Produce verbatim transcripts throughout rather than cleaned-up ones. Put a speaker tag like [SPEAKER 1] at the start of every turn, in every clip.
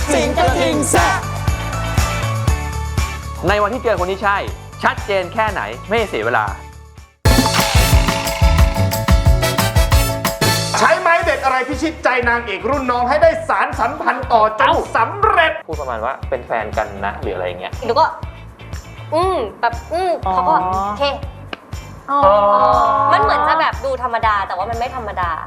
[SPEAKER 1] สิงกระทิงแซะ
[SPEAKER 2] ในวันที่เจอคนที่ใช่ชัดเจนแค่ไหนไม่เสียเวลา
[SPEAKER 3] ใช้ไม้เด็ดอะไรพิชิตใจนางเอกรุ่นน้องให้ได้สารสัมพันธ์ต่อจนสำเร็จ
[SPEAKER 2] พูดประมาณว่าเป็นแฟนกันนะหรืออะไรเงี้ย
[SPEAKER 4] หนูก็อืมแบบอืมเขาก็โอเคมันเหมือนจะแบบดูธรรมดาแต่ว่ามันไม่ธรรมดา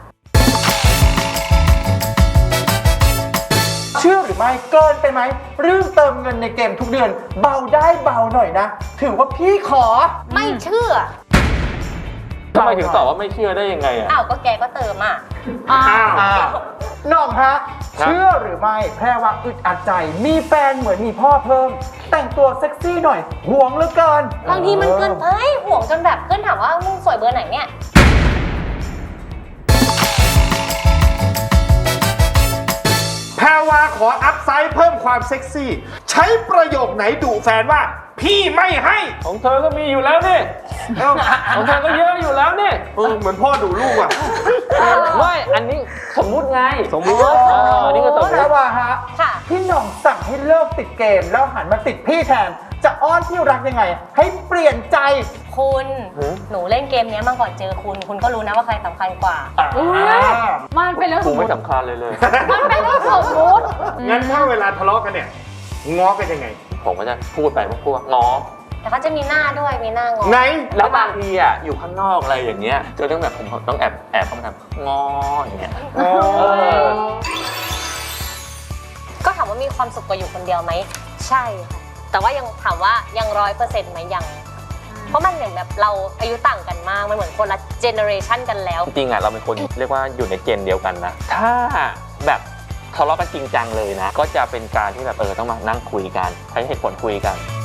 [SPEAKER 1] เชื่อหรือไม่เกินไปไหมเรื่องเติมเงินในเกมทุกเดือนเบาได้เบาหน่อยนะถือว่าพี่ขอ
[SPEAKER 4] ไม่เชื่อ
[SPEAKER 2] ทำไมถึงตอบว่าไม่เชื่อได้ยังไงอ่ะ
[SPEAKER 4] อ้าวก็แกก็เติมอ่ะ
[SPEAKER 1] อ้าวน้องฮะเชื่อหรือไม่แพรว่าอึดอัดใจมีแฟนเหมือนมีพ่อเพิ่มแต่งตัวเซ็กซี่หน่อยห่วงเหลือเกิน
[SPEAKER 4] บางทีมันเกินไปห่วงจนแบบเพื่อนถามว่ามึงสวยเบอร์ไหนเนี่ย
[SPEAKER 3] แพรวาขออัพไซด์เพิ่มความเซ็กซี่ใช้ประโยคไหนดุแฟนว่าพี่ไม่ให้
[SPEAKER 2] ของเธอก็มีอยู่แล้วนี่ของเธอก็เยอะอยู่แล้วนี่
[SPEAKER 3] เออเหมือนพ่อดุลูกอ่ะ
[SPEAKER 2] ไม่อันนี้สมมุติไง
[SPEAKER 3] สมมุติ
[SPEAKER 2] อันนี้ก็สมมุติ
[SPEAKER 1] แพรวาฮะพี่หน่องสั่งให้เลิกติดเกมแล้วหันมาติดพี่แทนจะอ้อนที่รักยังไงให้เปลี่ยนใจ
[SPEAKER 4] คุณหนูเล่นเกมนี้มาก่อนเจอคุณคุณก็รู้นะว่าใครสำคัญกว่า
[SPEAKER 5] มันเป็นเรื่องสมมติ
[SPEAKER 2] ไม่สำคัญเลยเลย
[SPEAKER 5] มันเป็นเรื่องสมมติ
[SPEAKER 3] งั้นถ้าเวลาทะเลาะกันเนี่ยง้อกันยังไง
[SPEAKER 2] ผมก็จะพูดไปว่าพูดว่าง้อ
[SPEAKER 4] แต่เขาจะมีหน้าด้วยมีหน้างอ
[SPEAKER 3] ไหน
[SPEAKER 2] แล้วบางทีอ่ะอยู่ข้างนอกอะไรอย่างเงี้ยจะต้องแบบผมต้องแอบแอบเข้ามาทำง้ออย่างเงี้ย
[SPEAKER 4] ก็ถามว่ามีความสุขกว่าอยู่คนเดียวไหมใช่ค่ะแต่ว่ายังถามว่ายังร้อยเปอร์เซ็นต์ไหมยังเพราะมันเหมือนแบบเราอายุต่างกันมากมันเหมือนคนละเจเนอเรชันกันแล้ว
[SPEAKER 2] จริงๆอ่ะเราเป็นคนเรียกว่าอยู่ในเจนเดียวกันนะถ้าแบบทะเลาะกันจริงจังเลยนะก็จะเป็นการที่แบบเออต้องมานั่งคุยกันใช้เหตุผลคุยกัน